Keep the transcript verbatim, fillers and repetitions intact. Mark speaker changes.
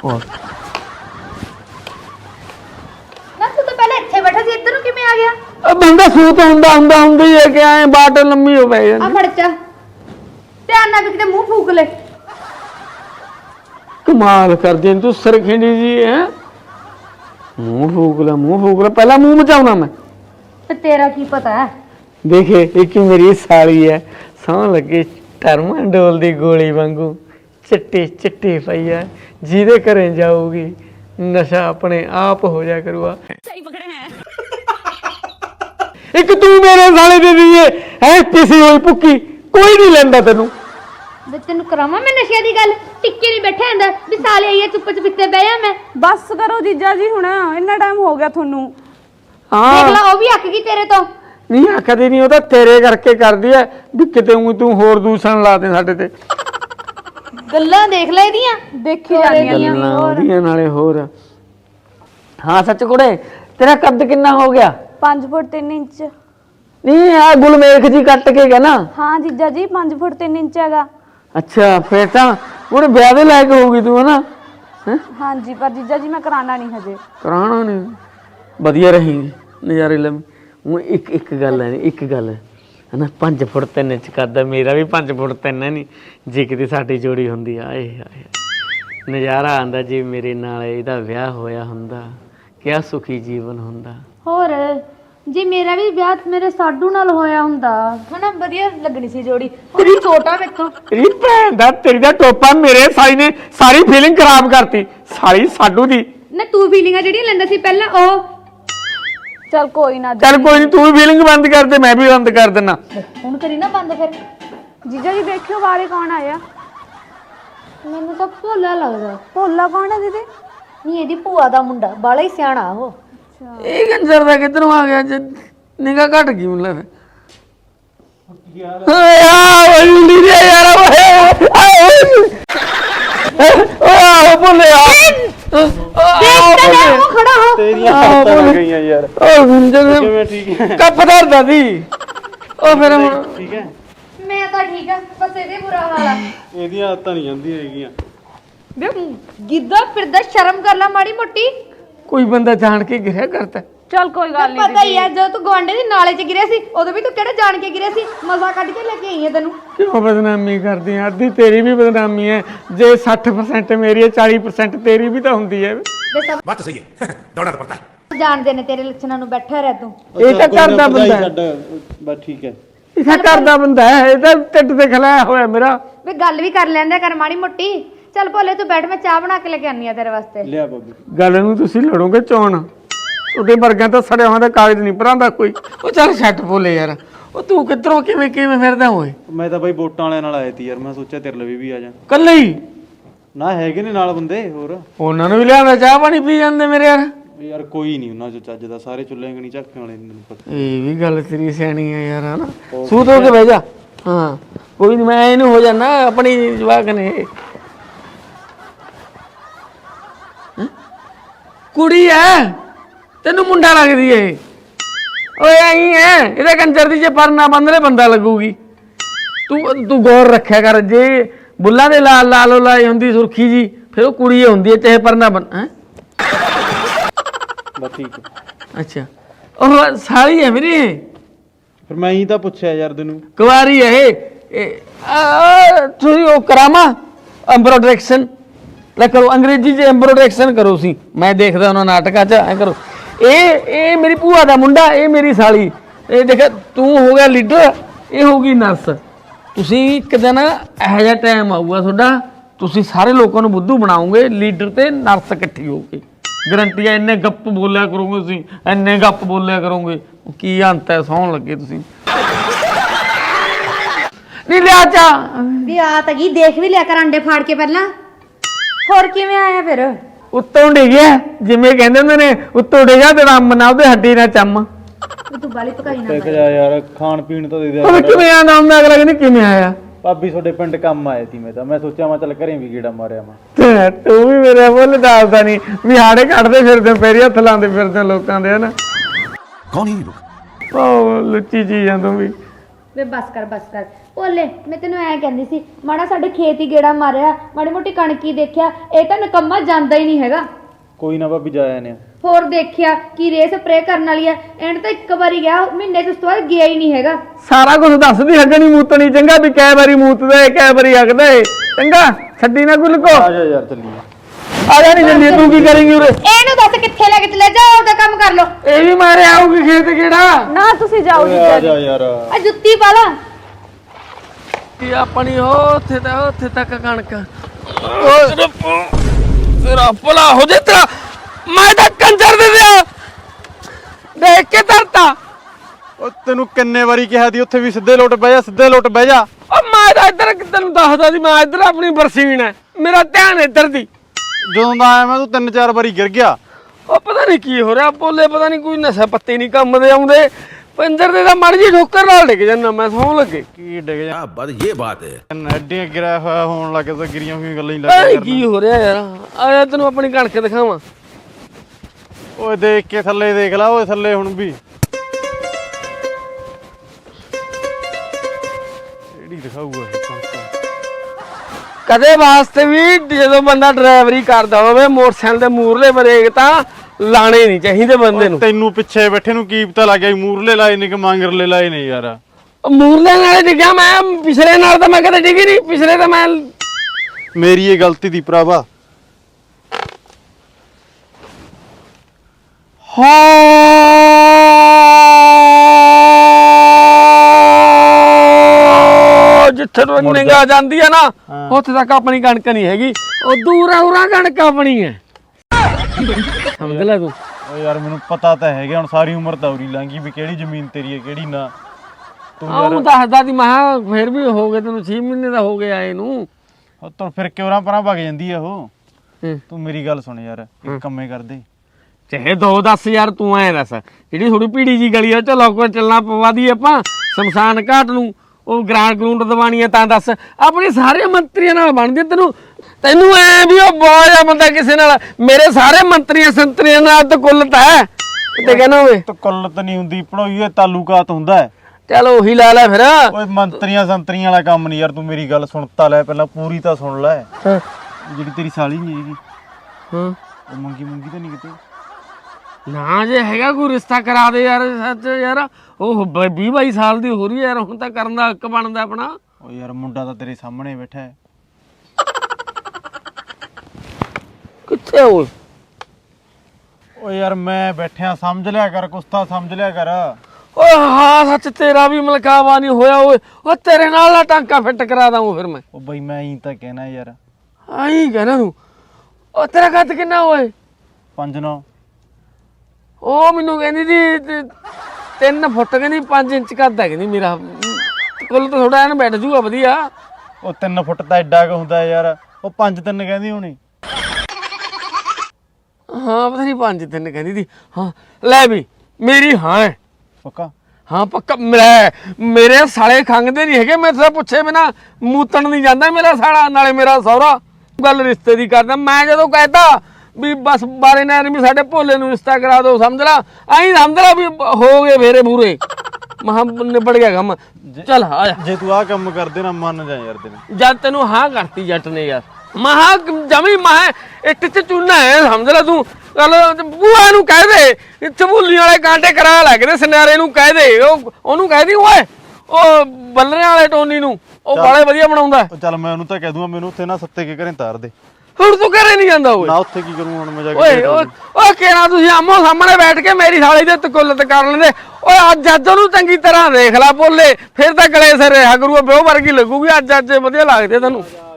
Speaker 1: और
Speaker 2: ना तू तो पहले इत्थे बैठा सी, इधर किवें आ गया?
Speaker 1: अब बंदा सूत हुंदा हुंदा हुंदा ही है कि ऐ बाट लम्मी हो पई
Speaker 2: आ फड़ चा ध्यान नाल किते मुंह फूक ले।
Speaker 1: कमाल कर दी तू सरखिंडी जी है। मुंह फूक ला मुंह फूक ला, पहला मुंह मचाऊना मैं।
Speaker 2: ते तेरा की पता है?
Speaker 1: देखे एक मेरी साली है, सौ लगे टरमा डोल दी गोली वांगू चिट्टे चिट्टे पई है, जिदे घरे जाऊगी नशा अपने आप हो जा करूगा।
Speaker 3: सही पकड़े हैं।
Speaker 1: एक तू मेरे साले दे दिए है किसी हुई भुक्की, कोई नहीं लेंदा तेनू।
Speaker 2: वे तेनू करावां मैं नशे दी गल? टिक्के नहीं बैठे अंदर भी साले आइए चुप चुपीते बह जा। मैं
Speaker 3: बस करो जीजा जी, हुण इन्ना टाइम हो गया थोनू।
Speaker 1: हाँ
Speaker 2: देख ला ओ भी अक गई तेरे तो।
Speaker 1: नहीं आखदी नहीं, ਉਹ तेरे करके कर दी है भी किते ऊं तू होर दूषण ला दे ਸਾਡੇ ਤੇ।
Speaker 2: ਗੱਲਾਂ ਦੇਖ ਲੈ ਇਹਦੀਆਂ,
Speaker 3: देखी जानी
Speaker 1: ਗੱਲਾਂ ਉਹਦੀਆਂ ਨਾਲੇ ਹੋਰ। ਹਾਂ ਸੱਚ ਕੁੜੇ, ਤੇਰਾ ਕੱਦ ਕਿੰਨਾ ਹੋ ਗਿਆ?
Speaker 3: पांच फुट तीन इंच।
Speaker 1: नहीं आ गुलमेख जी कट के गया ना?
Speaker 3: हाँ जीजा जी पांच फुट तीन इंच हैगा।
Speaker 1: अच्छा फिर तो ਹੁਣ ਵਿਆਹ ਦੇ ਲਾਇਕ ਹੋਊਗੀ ਤੂੰ ਹੈ ਨਾ? ਹੈ
Speaker 3: हाँ जी पर जीजा जी मैं कराना नहीं हजे।
Speaker 1: ਕਰਾਣਾ ਨਹੀਂ, ਵਧੀਆ ਰਹੇਗੀ ਨਜ਼ਾਰੇ ਲੈ। ਉਹ ਇੱਕ ਇੱਕ ਗੱਲ ਹੈ, ਇੱਕ ਗੱਲ ਹੈ ਹਨਾ, ਪੰਜ ਫੁੱਟ ਤਿੰਨ ਇੰਚ ਕਰਦਾ, ਮੇਰਾ ਵੀ ਪੰਜ ਫੁੱਟ ਤਿੰਨ ਹੈ ਨਹੀਂ। ਜੇ ਕਿਤੇ ਸਾਡੀ ਜੋੜੀ ਹੁੰਦੀ ਆਏ ਹਾਏ ਨਜ਼ਾਰਾ ਆਂਦਾ, ਜੇ ਮੇਰੇ ਨਾਲ ਇਹਦਾ ਵਿਆਹ ਹੋਇਆ ਹੁੰਦਾ ਕਿਆ ਸੁਖੀ ਜੀਵਨ ਹੁੰਦਾ।
Speaker 2: ਹੋਰ ਜੇ ਮੇਰਾ ਵੀ ਵਿਆਹ ਮੇਰੇ ਸਾਡੂ ਨਾਲ ਹੋਇਆ ਹੁੰਦਾ ਹਨਾ, ਵਧੀਆ ਲੱਗਣੀ ਸੀ ਜੋੜੀ। ਤੇਰੀ ਛੋਟਾ ਵੇਖੋ
Speaker 1: ਤੇਰੀ ਭੈਣ ਦਾ ਤੇਰੀ ਦਾ ਟੋਪਾ ਮੇਰੇ ਸਾਈ ਨੇ ਸਾਰੀ ਫੀਲਿੰਗ ਖਰਾਬ ਕਰਤੀ ਸਾਲੀ ਸਾਡੂ ਦੀ।
Speaker 2: ਨਾ ਤੂੰ ਫੀਲਿੰਗਾਂ ਜਿਹੜੀਆਂ ਲੈਂਦਾ ਸੀ ਪਹਿਲਾਂ ਉਹ।
Speaker 3: चल कोई ना
Speaker 1: ਚੱਲ ਕੋਈ ਨਹੀਂ, ਤੂੰ ਵੀ ਫੀਲਿੰਗ ਬੰਦ ਕਰ ਦੇ, ਮੈਂ ਵੀ ਬੰਦ ਕਰ ਦਿੰਨਾ।
Speaker 2: ਹੁਣ ਕਰੀ ਨਾ ਬੰਦ ਫਿਰ।
Speaker 3: जीजा जी देखियो बारे कौन आया।
Speaker 2: ਮੈਨੂੰ ਤਾਂ ਭੋਲਾ ਲੱਗਦਾ।
Speaker 3: भोला कौन है दीदी?
Speaker 2: ਨਹੀਂ ਇਹਦੀ ਭੂਆ ਦਾ ਮੁੰਡਾ, ਬਾਲਾ ਹੀ ਸਿਆਣਾ ਉਹ।
Speaker 1: ਇਹ ਕੰਜਰ ਦਾ ਕਿੱਧਰੋਂ ਆ ਗਿਆ? ਜੇ ਨਿਗਾਹ ਘਟ ਗਈ ਮੈਨੂੰ ਲੱਗਦਾ। ਓਏ ਆ ਉੱਲੀ ਦੇ ਯਾਰ, ਓਏ ਓਏ ਬੋਲੇ ਆ
Speaker 2: ਦੇਖ ਤਾਂ ਲੈ ਉਹ ਖੜਾ ਹੋ।
Speaker 4: ਤੇਰੀਆਂ ਹੱਥਾਂ ਲੱਗ ਗਈਆਂ ਯਾਰ।
Speaker 1: ਓ ਗੁੰਜਰ
Speaker 4: ਕਿਵੇਂ ਠੀਕ ਹੈ?
Speaker 1: ਕੱਪ ਧਰਦਾ ਦੀ। ਉਹ ਫਿਰ ਹੁਣ
Speaker 4: ਠੀਕ ਹੈ,
Speaker 2: ਮੈਂ ਤਾਂ ਠੀਕ ਆ, ਬਸ ਇਹਦੇ ਬੁਰਾ ਹਾਲ ਆ।
Speaker 4: ਇਹਦੀਆਂ ਹੱਥਾਂ ਨਹੀਂ ਜਾਂਦੀਆਂ ਹੈਗੀਆਂ।
Speaker 2: ਵੇ ਗਿੱਧਾ ਫਿਰਦਾ, ਸ਼ਰਮ ਕਰ ਲੈ ਮਾੜੀ ਮੋਟੀ।
Speaker 1: ਕੋਈ ਬੰਦਾ ਜਾਣ ਕੇ ਗਿਰਿਆ ਕਰਦਾ।
Speaker 3: चल कोई गल नहीं।
Speaker 2: ਪਤਾ ਹੀ ਆ ਜਦੋਂ ਤੂੰ ਗਵਾਂਡੇ ਦੀ ਨਾਲੇ 'ਚ ਗਿਰਿਆ ਸੀ ਉਦੋਂ ਵੀ ਤੂੰ ਕਿਹੜਾ ਜਾਣ ਕੇ ਗਿਰਿਆ ਸੀ, ਮਜ਼ਾ ਕੱਢ ਕੇ ਲੈ ਕੇ ਆਈ ਆ ਤੈਨੂੰ।
Speaker 1: ਕਿਉਂ ਬਦਨਾਮੀ ਕਰਦੀ ਆ? ਅੱਧੀ ਤੇਰੀ ਵੀ ਬਦਨਾਮੀ ਹੈ, ਜੇ ਸੱਠ ਪਰਸੈਂਟ ਮੇਰੀ ਹੈ ਚਾਲੀ ਪਰਸੈਂਟ ਤੇਰੀ ਵੀ ਤਾਂ ਹੁੰਦੀ ਹੈ।
Speaker 5: बात तो सही है दौड़ना तो पड़ता है।
Speaker 2: ਜਾਣਦੇ ਨੇ ਤੇਰੇ ਲੱਛਣਾਂ ਨੂੰ, ਬੈਠਾ ਰਹਿ ਤੂੰ।
Speaker 1: ਇਹ ਤਾਂ ਕਰਦਾ ਬੰਦਾ ਹੈ,
Speaker 4: ਛੱਡ ਬਸ ਠੀਕ ਹੈ।
Speaker 1: ਇਹ ਤਾਂ ਕਰਦਾ ਬੰਦਾ ਹੈ, ਇਹ ਤਾਂ ਢਿੱਡ ਤੇ ਖਲਾਇਆ ਹੋਇਆ ਮੇਰਾ।
Speaker 2: ਵੇ ਗੱਲ ਵੀ ਕਰ ਲੈਂਦਾ ਕਰ ਮਾੜੀ ਮੋਟੀ। ਚੱਲ ਭੋਲੇ ਤੂੰ ਬੈਠ, ਮੈਂ ਚਾਹ ਬਣਾ ਕੇ ਲੈ ਕੇ ਆਨੀ ਆ ਤੇਰੇ ਵਾਸਤੇ।
Speaker 4: ਲਿਆ ਬਾਬੂ।
Speaker 1: ਗੱਲ ਨੂੰ ਤੁਸੀਂ ਲੜੋਗੇ ਚੋਣ, ਉਹਦੇ ਵਰਗਿਆਂ ਤਾਂ ਸੜਿਆ ਹੋਇਆ ਦਾ ਕਾਗਜ਼ ਨਹੀਂ ਭਰਾਂਦਾ ਕੋਈ। ਉਹ ਚੱਲ ਛੱਡ ਬੋਲੇ ਯਾਰ, ਉਹ ਤੂੰ ਕਿੱਧਰੋਂ ਕਿਵੇਂ ਕਿਵੇਂ ਫਿਰਦਾ ਓਏ?
Speaker 4: ਮੈਂ ਤਾਂ ਬਾਈ ਵੋਟਾਂ ਵਾਲਿਆਂ ਨਾਲ ਆਇਆ ਤੀ ਯਾਰ, ਮੈਂ ਸੋਚਿਆ ਤੇਰੇ ਲਈ ਵੀ ਆ ਜਾ।
Speaker 1: ਕੱਲੇ ਹੀ?
Speaker 4: ਨਾ ਹੈਗੇ ਨੇ ਨਾਲ ਬੰਦੇ ਹੋਰ।
Speaker 1: ਉਹਨਾਂ ਨੂੰ ਵੀ ਲਿਆਂਦਾ, ਚਾਹ ਪਾਣੀ ਪੀ ਜਾਂਦੇ ਮੇਰੇ ਯਾਰ।
Speaker 4: ਯਾਰ ਕੋਈ ਨਹੀਂ ਉਹਨਾਂ ਚੋਂ ਚੱਜ ਦਾ, ਸਾਰੇ ਚੁੱਲ੍ਹੇ ਗਣੀ ਝਾਕਣ ਵਾਲੇ ਨੇ, ਮੈਨੂੰ ਪਤਾ।
Speaker 1: ਇਹ ਵੀ ਗੱਲ ਤੇਰੀ ਸਿਆਣੀ ਹੈ ਯਾਰ, ਹਨਾ। ਸੂਤ ਹੋ ਕੇ ਬਹਿ ਜਾ। ਹਾਂ ਕੋਈ ਨਹੀਂ, ਮੈਂ ਇਹਨੂੰ ਹੋ ਜਾਣਾ ਆਪਣੀ ਜਵਾਕ ਨੇ। ਹੈਂ? ਕੁੜੀ ਐ ਤੈਨੂੰ ਮੁੰਡਾ ਲੱਗਦੀ ਏ? ਓਏ ਆਈ ਐ, ਇਹਦੇ ਕੰਜਰ ਦੀ ਜੇ ਪਰਨਾ ਬੰਦਲੇ ਬੰਦਾ ਲੱਗੂਗੀ। ਤੂੰ ਤੂੰ ਗੌਰ ਰੱਖਿਆ ਕਰ, ਜੇ ਬੁੱਲਾਂ ਦੇ ਲਾਲ ਲਾਲ ਲਾਈ ਹੁੰਦੀ ਸੁਰਖੀ ਜੀ, ਫਿਰ ਉਹ ਕੁੜੀ ਹੁੰਦੀ ਹੈ ਚਾਹੇ ਪਰਨਾ ਬਨ। ਹੈ
Speaker 4: ਬਸ ਠੀਕ ਹੈ।
Speaker 1: ਅੱਛਾ ਉਹ ਸਾਲੀ ਹੈ ਮੇਰੀ,
Speaker 4: ਫਿਰ ਮੈਂ ਹੀ ਤਾਂ ਪੁੱਛਿਆ ਯਾਰ ਤੈਨੂੰ।
Speaker 1: ਕੁਵਾਰੀ ਹੈ ਇਹ। ਆ ਤੁਸੀਂ ਉਹ ਕਰਾਮਾ ਐਂਬਰੋਡਰੈਕਸ਼ਨ ਲੈ ਕਰੋ, ਅੰਗਰੇਜ਼ੀ ਚ ਐਂਬਰੋਡਰੈਕਸ਼ਨ ਕਰੋ ਸੀ, ਮੈਂ ਦੇਖਦਾ ਉਹਨਾਂ ਨਾਟਕਾਂ ਚ। ਐ ਕਰੋ, ਇਹ ਇਹ ਮੇਰੀ ਭੂਆ ਦਾ ਮੁੰਡਾ, ਇਹ ਮੇਰੀ ਸਾਲੀ। ਇਹ ਦੇਖ ਤੂੰ ਹੋ ਗਿਆ ਲੀਡਰ, ਇਹ ਹੋਊਗੀ ਨਰਸ। ਤੁਸੀਂ ਇੱਕ ਦਿਨ ਇਹੋ ਜਿਹਾ ਟਾਈਮ ਆਊਗਾ ਤੁਹਾਡਾ, ਤੁਸੀਂ ਸਾਰੇ ਲੋਕਾਂ ਨੂੰ ਬੁੱਧੂ ਬਣਾਓਗੇ, ਲੀਡਰ ਤੇ ਨਰਸ ਇਕੱਠੀ ਹੋ ਕੇ। ਗਰੰਟੀ ਹੈ, ਇੰਨੇ ਗੱਪ ਬੋਲਿਆ ਕਰੋਗੇ ਤੁਸੀਂ, ਇੰਨੇ ਗੱਪ ਬੋਲਿਆ ਕਰੋਗੇ, ਕੀ ਅੰਤ ਹੈ, ਸੌਣ ਲੱਗੇ ਤੁਸੀਂ। ਨਹੀਂ ਲਿਆ ਚਾ
Speaker 2: ਵੀ ਆ ਤਾਂ ਕੀ ਦੇਖ ਵੀ ਲਿਆ ਕਰ ਅੰਡੇ ਫਾੜ ਕੇ ਪਹਿਲਾਂ। ਹੋਰ ਕਿਵੇਂ ਆਇਆ ਫਿਰ?
Speaker 1: ਉੱਤੋਂ ਡਿੱਗਿਆ, ਜਿਵੇਂ ਕਹਿੰਦੇ ਹੁੰਦੇ ਨੇ ਉੱਤੋਂ ਡਿੱਗਿਆ ਤੇ ਰੰਮ ਨਾ ਉਹਦੇ ਹੱਡੀ ਨਾ ਚੰਮ।
Speaker 2: ਤੂੰ ਬਾਲੀ ਪਕਾਈ ਨਾ
Speaker 4: ਟਿਕ ਜਾ ਯਾਰ, ਖਾਣ ਪੀਣ ਤਾਂ ਦੇ ਦਿਆ
Speaker 1: ਉਹ
Speaker 4: ਕਰ।
Speaker 1: ਕਿਵੇਂ ਆਂਦਾ ਹੁੰਦਾ ਅਗਲਾ, ਕਹਿੰਦੇ ਕਿਵੇਂ ਆਇਆ?
Speaker 4: ਭਾਬੀ ਤੁਹਾਡੇ ਪਿੰਡ ਕੰਮ ਆਏ ਸੀ, ਮੈਂ ਤਾਂ ਮੈਂ ਸੋਚਿਆ ਮੈਂ ਚੱਲ ਘਰੇ ਵੀ ਗੇੜਾ ਮਾਰਿਆ ਮੈਂ।
Speaker 1: ਤੇ ਤੂੰ ਵੀ ਮੇਰੇ ਬੋਲ ਦੱਸਦਾ ਨਹੀਂ ਵੀ ਹਾੜੇ ਕੱਢਦੇ ਫਿਰਦੇ, ਪੈਰੀ ਹੱਥ ਲਾਉਂਦੇ ਫਿਰਦੇ ਲੋਕਾਂ ਦੇ, ਹਨਾ।
Speaker 5: कौन है ये लोग?
Speaker 1: ਉਹ ਲੁੱਚੀ ਚੀਜ਼ਾਂ ਤੂੰ ਵੀ।
Speaker 2: ਵੇ ਬਸ ਕਰ ਬਸ ਕਰ, ਓਲੇ ਮੈਂ ਤੈਨੂੰ ਐ ਕਹਿੰਦੀ ਸੀ ਮਾੜਾ ਸਾਡੇ ਖੇਤ ਹੀ ਗੇੜਾ ਮਾਰਿਆ ਮਾੜੀ ਮੋਟੀ ਕਣਕੀ ਦੇਖਿਆ ਇਹ ਤਾਂ ਨਕੰਮਾ ਜਾਂਦਾ ਹੀ ਨਹੀਂ ਹੈਗਾ
Speaker 4: ਕੋਈ ਨਾ ਭਾਬੀ ਜਾਇਆ ਨੇ
Speaker 2: ਹੋਰ ਦੇਖਿਆ ਕੀ ਰੇ ਸਪਰੇ ਕਰਨ ਵਾਲੀ ਐ ਐਂਡ ਤਾਂ ਇੱਕ ਵਾਰੀ ਗਿਆ ਮਹੀਨੇ ਚ ਉਸ ਤੋਂ ਬਾਅਦ ਗਿਆ ਹੀ ਨਹੀਂ ਹੈਗਾ
Speaker 1: ਸਾਰਾ ਕੁਝ ਦੱਸਦੀ ਹੱਗਣੀ ਮੂਤਣੀ ਚੰਗਾ ਵੀ ਕਈ ਵਾਰੀ ਮੂਤਦਾ ਏ ਕਈ ਵਾਰੀ ਹੱਗਦਾ ਏ ਚੰਗਾ ਛੱਡੀ ਨਾ ਗੁੱਲ ਕੋ
Speaker 4: ਆ ਜਾ ਯਾਰ ਚੱਲੀਏ
Speaker 1: ਆ ਜਾ ਨਹੀਂ ਜੰਦੀ ਤੂੰ ਕੀ ਕਰੇਂਗੀ ਉਰੇ
Speaker 2: ਇਹਨੂੰ ਦੱਸ ਕਿੱਥੇ ਲੈ ਕੇ ਚਲੇ ਜਾ ਉਹਦਾ ਕੰਮ ਕਰ ਲੋ
Speaker 1: ਇਹ ਵੀ ਮਾਰੇ ਆਊਗੀ ਖੇਤ ਕਿਹੜਾ
Speaker 3: ਨਾ ਤੁਸੀਂ ਜਾਓ
Speaker 4: ਓਏ
Speaker 3: ਜੀਜਾ
Speaker 4: ਆ
Speaker 3: ਜੀ
Speaker 4: ਜਾ ਯਾਰ
Speaker 2: ਆ ਜੁੱਤੀ ਪਾ ਲਾ
Speaker 1: ਕੀ ਆਪਣੀ ਹੋ ਉੱਥੇ ਤਾਂ ਉੱਥੇ ਤੱਕ ਕਣਕ ਓਏ ਤੇਰਾ ਭਲਾ ਹੋ ਜੇ ਤੇਰਾ ਮੈਂ ਤਾਂ ਕੰਜਰ ਦੇ ਦਿਆ ਦੇਖ ਕੇ ਤਰਤਾ
Speaker 4: ਓ ਤੈਨੂੰ ਕਿੰਨੇ ਵਾਰੀ ਕਿਹਾ ਦੀ ਉੱਥੇ ਵੀ ਸਿੱਧੇ ਲੋਟ ਬਹਿ ਜਾ ਸਿੱਧੇ ਲੋਟ ਬਹਿ ਜਾ
Speaker 1: ਓ ਮੈਂ ਤਾਂ ਇੱਧਰ ਤੈਨੂੰ ਦੱਸਦਾ ਸੀ ਮੈਂ ਇੱਧਰ ਆਪਣੀ ਬਰਸੀਨ ਹੈ ਮੇਰਾ ਧਿਆਨ ਇੱਧਰ ਦੀ
Speaker 4: ਜਦੋਂ ਦਾ ਆਇਆ ਮੈਂ ਤੂੰ ਤਿੰਨ ਚਾਰ ਵਾਰੀ ਗਿਰ ਗਿਆ
Speaker 1: ਉਹ ਪਤਾ ਨਹੀਂ ਕੀ ਹੋ ਰਿਹਾ ਬੋਲੇ ਪਤਾ ਨਹੀਂ ਕੋਈ ਨਸ਼ਾ ਪੱਤੇ ਨਹੀਂ ਕੰਮ ਦੇ ਆਉਂਦੇ ਪੰਜਰ ਦੇ ਤਾਂ ਮੜ ਜੀ ਠੋਕਰ ਨਾਲ ਡਿੱਗ ਜਾਂਦਾ ਮੈਂ ਸੌਂ ਲੱਗੇ
Speaker 4: ਕੀ ਡਿੱਗ ਜਾ
Speaker 5: क्या बात ये बात है
Speaker 4: ਐਡੀਆਂ ਗਿਰਿਆ ਹੋਇਆ ਹੋਣ ਲੱਗੇ ਤਾਂ ਗਿਰੀਆਂ ਹੋਈਆਂ ਗੱਲਾਂ ਹੀ
Speaker 1: ਐ
Speaker 4: ਲੱਗ
Speaker 1: ਕੀ ਹੋ ਰਿਹਾ ਯਾਰ ਆ ਜਾ ਤੈਨੂੰ ਆਪਣੀ ਕਣਕ ਦਿਖਾਵਾਂ
Speaker 4: ਓਏ ਦੇਖ ਕੇ ਥੱਲੇ ਦੇਖ ਲਾ ਓਏ ਥੱਲੇ ਹੁਣ ਵੀ ਕਿਹੜੀ ਦਿਖਾਊਗਾ ਇਹ ਕਣਕ
Speaker 1: ਕਦੇ ਵਾਸਤੇ ਵੀ ਜਦੋਂ ਬੰਦਾ ਡਰਾਈਵਰੀ ਕਰਦਾ ਹੋਵੇ ਮੋਟਰਸਾਈਕਲ ਦੇ ਮੂਰਲੇ ਬ੍ਰੇਕ ਤਾਂ ਲਾਣੇ ਨਹੀਂ ਚਾਹੀਦੇ ਬੰਦੇ ਨੂੰ
Speaker 4: ਤੈਨੂੰ ਪਿੱਛੇ ਬੈਠੇ ਨੂੰ ਕੀ ਪਤਾ ਲੱਗਿਆ ਮੂਰਲੇ ਲਾਏ ਨੇ ਕਿ ਮਾਂਗਰਲੇ ਲਾਏ ਨੇ ਯਾਰ
Speaker 1: ਉਹ ਮੂਰਲੇ ਨਾਲੇ ਡਿੱਗਿਆ ਮੈਂ ਪਿਛਲੇ ਨਾਲ ਤਾਂ ਮੈਂ ਕਦੇ ਡਿੱਗੀ ਨਹੀਂ ਪਿਛਲੇ ਤਾਂ ਮੈਂ
Speaker 4: ਮੇਰੀ ਇਹ ਗਲਤੀ ਦੀ ਭਰਾਵਾ
Speaker 1: ਹਾਂ ਜਿੱਥੇ ਤੋਂ
Speaker 4: ਮੁੜ ਜਾ।
Speaker 1: ਨਿਗਾਹ ਜਾਂਦੀ ਆ ਨਾ
Speaker 4: ਹਾਂ।
Speaker 1: ਉੱਥੇ ਤੱਕ ਆਪਣੀ ਕਣਕ ਨਹੀਂ ਹੈਗੀ ਉਹ ਦੂਰ ਉਰਾ ਕਣਕ ਆਪਣੀ ਹੈ ਸਮਝ ਲੈ ਤੂੰ
Speaker 4: ਓ ਯਾਰ ਮੈਨੂੰ ਪਤਾ ਤਾਂ ਹੈਗਾ ਹੁਣ ਸਾਰੀ ਉਮਰ ਤਾਂ ਉਰੀ ਲੰਘੀ ਵੀ ਕਿਹੜੀ ਜ਼ਮੀਨ ਤੇਰੀ ਹੈ ਕਿਹੜੀ ਨਾ ਤੂੰ
Speaker 1: ਆਉਂ ਦੱਸਦਾ ਦੀ ਮਹਾ ਫੇਰ ਵੀ ਹੋ ਗਏ ਤੈਨੂੰ ਛੇ ਮਹੀਨੇ ਦਾ ਹੋ ਗਿਆ ਇਹਨੂੰ
Speaker 4: ਉਹ ਤੁਰ ਫਿਰ ਕੇ ਉਰਾਂ ਪਰਾਂ ਭੱਗ ਜਾਂਦੀ ਆ ਉਹ
Speaker 1: ਹੂੰ।
Speaker 4: ਤੂੰ ਮੇਰੀ ਗੱਲ ਸੁਣ ਯਾਰ ਇੱਕ ਕੰਮੇ ਕਰਦੇ
Speaker 1: ਚਾਹੇ ਦੋ ਦੱਸ ਯਾਰ ਤੂੰ ਐ ਦੱਸ ਜਿਹੜੀ ਥੋੜੀ ਪੀੜੀ ਜੀ ਗਲੀ ਆ ਚਲੋ ਕੋਈ ਚੱਲਣਾ ਪਵਾ ਦੀ ਆਪਾਂ ਸ਼ਮਸ਼ਾਨ ਘਾਟ ਨੂੰ ਉਹ ਗ੍ਰਾਂਟ ਗਰੂੰਟ ਦਵਾਣੀ ਆ ਤਾਂ ਦੱਸ ਆਪਣੇ ਸਾਰੇ ਮੰਤਰੀਆਂ ਨਾਲ ਬਣਦੀ ਤੈਨੂੰ ਤੈਨੂੰ ਐ ਵੀ ਉਹ ਬੋਝ ਆ ਬੰਦਾ ਕਿਸੇ ਨਾਲ ਮੇਰੇ ਸਾਰੇ ਮੰਤਰੀਆਂ ਸੰਤਰੀਆਂ ਨਾਲ ਤਾਂ ਕੁੱਲਤ ਹੈ ਤੇ ਕਹਿੰਦਾ ਓਏ
Speaker 4: ਤਾਂ ਕੁੱਲਤ ਨਹੀਂ ਹੁੰਦੀ ਪੜੋਈ ਇਹ ਤਾਲੁਕਾਤ ਹੁੰਦਾ ਹੈ
Speaker 1: ਚਲ ਉਹੀ ਲਾ ਲੈ ਫਿਰ
Speaker 4: ਓਏ ਮੰਤਰੀਆਂ ਸੰਤਰੀਆਂ ਵਾਲਾ ਕੰਮ ਨਹੀਂ ਯਾਰ ਤੂੰ ਮੇਰੀ ਗੱਲ ਸੁਣ ਤਾਂ ਲੈ ਪਹਿਲਾਂ ਪੂਰੀ ਤਾਂ ਸੁਣ ਲੈ
Speaker 1: ਹਾਂ
Speaker 4: ਜਿਹੜੀ ਤੇਰੀ ਸਾਲੀ ਨਹੀਂ ਹੈਗੀ
Speaker 1: ਹਾਂ
Speaker 4: ਉਹ ਮੰਗੀ ਮੰਗੀ ਤਾਂ ਨਹੀਂ ਕਿਤੇ
Speaker 1: ਨਾ ਜੇ ਹੈਗਾ ਕੋਈ ਰਿਸ਼ਤਾ ਕਰਾ ਦੇ ਯਾਰ ਸੱਚ ਯਾਰ ਉਹ ਵੀਹ ਬਾਈ ਸਾਲ ਦੀ ਹੋ ਰਹੀ ਹੈ ਯਾਰ ਹੁਣ ਤਾਂ ਕਰਨ ਦਾ ਹੱਕ ਬਣਦਾ ਆਪਣਾ
Speaker 4: ਓ ਯਾਰ ਮੁੰਡਾ ਤਾਂ ਤੇਰੇ ਸਾਹਮਣੇ ਬੈਠਾ ਹੈ
Speaker 1: ਕਿੱਥੇ ਓਏ
Speaker 4: ਓ ਯਾਰ ਮੈਂ ਬੈਠਿਆ ਸਮਝ ਲਿਆ ਕਰ ਕੁਛ ਤਾਂ ਸਮਝ ਲਿਆ ਕਰ
Speaker 1: ਓਏ ਹਾਂ ਸੱਚ ਤੇਰਾ ਵੀ ਮਲਕਾਵਾ ਨਹੀਂ ਹੋਇਆ ਓਏ ਉਹ ਤੇਰੇ ਨਾਲ ਨਾ ਟਾਂਕਾ ਫਿੱਟ ਕਰਾ ਦਾਂ ਫਿਰ ਮੈਂ
Speaker 4: ਓ ਬਈ ਮੈਂ ਹੀ ਤਾਂ ਕਹਿਣਾ ਯਾਰ
Speaker 1: ਆਈ ਕਹਿਣਾ ਤੂੰ ਉਹ ਤੇਰਾ ਕੱਦ ਕਿੰਨਾ ਓਏ
Speaker 4: ਪੰਜ ਨੌ
Speaker 1: ਉਹ ਮੈਨੂੰ ਕਹਿੰਦੀ ਸੀ ਤੇ ਤਿੰਨ ਫੁੱਟ ਕਹਿੰਦੀ ਪੰਜ ਇੰਚ ਕੱਦ ਹੈ ਕਹਿੰਦੀ ਮੇਰਾ ਕੁੱਲ ਤਾਂ ਥੋੜਾ ਐਨ ਬੈਠ ਜੂਗਾ ਵਧੀਆ
Speaker 4: ਉਹ ਤਿੰਨ ਫੁੱਟ ਤਾਂ ਐਡਾ ਕੁ ਹੁੰਦਾ ਯਾਰ ਉਹ ਪੰਜ ਤਿੰਨ ਕਹਿੰਦੀ ਹੋਣੀ
Speaker 1: ਹਾਂ ਪਤਾ ਨਹੀਂ ਪੰਜ ਤਿੰਨ ਕਹਿੰਦੀ ਸੀ ਹਾਂ ਲੈ ਵੀ ਮੇਰੀ ਹਾਂ ਹੈ
Speaker 4: ਪੱਕਾ
Speaker 1: ਹਾਂ ਪੱਕਾ ਲੈ ਮੇਰੇ ਸਾਲੇ ਖੰਗਦੇ ਨਹੀਂ ਹੈਗੇ ਮੇਰੇ ਤੋਂ ਪੁੱਛੇ ਬਿਨਾ ਮੂਤਣ ਨਹੀਂ ਜਾਂਦਾ ਮੇਰਾ ਸਾਲਾ ਨਾਲੇ ਮੇਰਾ ਸਹੁਰਾ ਗੱਲ ਰਿਸ਼ਤੇ ਦੀ ਕਰਦਾ ਮੈਂ ਜਦੋਂ ਕਹਿਤਾ ਵੀ ਬਸ ਬਾਰੇ ਨਾਲ ਵੀ ਸਾਡੇ ਭੋਲੇ ਨੂੰ ਰਿਸ਼ਤਾ ਕਰਾ ਦਿਓ ਸਮਝ ਲਾ ਐਂ ਸਮਝ ਲਾ ਵੀ ਹੋ ਗਏ ਫੇਰੇ ਮੂਰੇ ਮਹਾ ਨਿਬੜ ਗਿਆ ਕੰਮ ਚੱਲ ਆ ਜਾ
Speaker 4: ਜੇ ਤੂੰ ਆਹ ਕੰਮ ਕਰਦੇ ਨਾ ਮੰਨ ਜਾ ਯਾਰ ਤੈਨੂੰ
Speaker 1: ਜਦ ਤੈਨੂੰ ਹਾਂ ਕਰਤੀ ਜੱਟ ਨੇ ਯਾਰ ਮਹਾ ਜਮੀ ਮਹਾ ਇੱਟ ਚ ਚੂਨਾ ਹੈ ਸਮਝ ਲੈ ਤੂੰ ਚੱਲ ਬੂਆ ਨੂੰ ਕਹਿ ਦੇ ਚਬੂਲੀ ਵਾਲੇ ਕਾਂਟੇ ਕਰਾ ਲੱਗਦੇ ਸੁਨਿਆਰੇ ਨੂੰ ਕਹਿ ਦੇ ਉਹ ਉਹਨੂੰ ਕਹਿ ਦੀ ਓਏ ਉਹ ਬੱਲਰੇ ਵਾਲੇ ਟੋਨੀ ਨੂੰ ਉਹ ਬਾਲੇ ਵਧੀਆ ਬਣਾਉਂਦਾ
Speaker 4: ਉਹ ਚੱਲ ਮੈਂ ਉਹਨੂੰ ਤਾਂ ਕਹਿ ਦੂੰਗਾ ਮੈਨੂੰ ਉੱਥੇ ਨਾ ਸੱਤੇ ਕੇ ਘਰੇ ਤਾਰ ਦੇ
Speaker 1: ਹੁਣ ਤੂੰ ਘਰੇ ਨਹੀਂ ਜਾਂਦਾ ਓਏ
Speaker 4: ਨਾ ਉੱਥੇ ਕੀ ਕਰੂੰ ਹੁਣ ਮੈਂ ਜਾ ਕੇ
Speaker 1: ਓਏ ਓਏ ਕਿਹੜਾ ਤੁਸੀਂ ਆਮੋ ਸਾਹਮਣੇ ਬੈਠ ਕੇ ਮੇਰੀ ਸਾਲੀ ਦੇ ਤਕੁੱਲਤ ਕਰ ਲੈਂਦੇ ਓਏ ਅੱਜ ਅੱਜ ਉਹਨੂੰ ਚੰਗੀ ਤਰ੍ਹਾਂ ਦੇਖ ਲੈ ਬੋਲੇ ਫਿਰ ਤਾਂ ਗਲੇ ਸਿਰ ਰਿਹਾ ਕਰੂਗਾ ਬਿਓ ਵਰਗੀ ਲੱਗੂਗੀ ਅੱਜ ਅੱਜ ਵਧੀਆ ਲੱਗਦੇ ਤੈਨੂੰ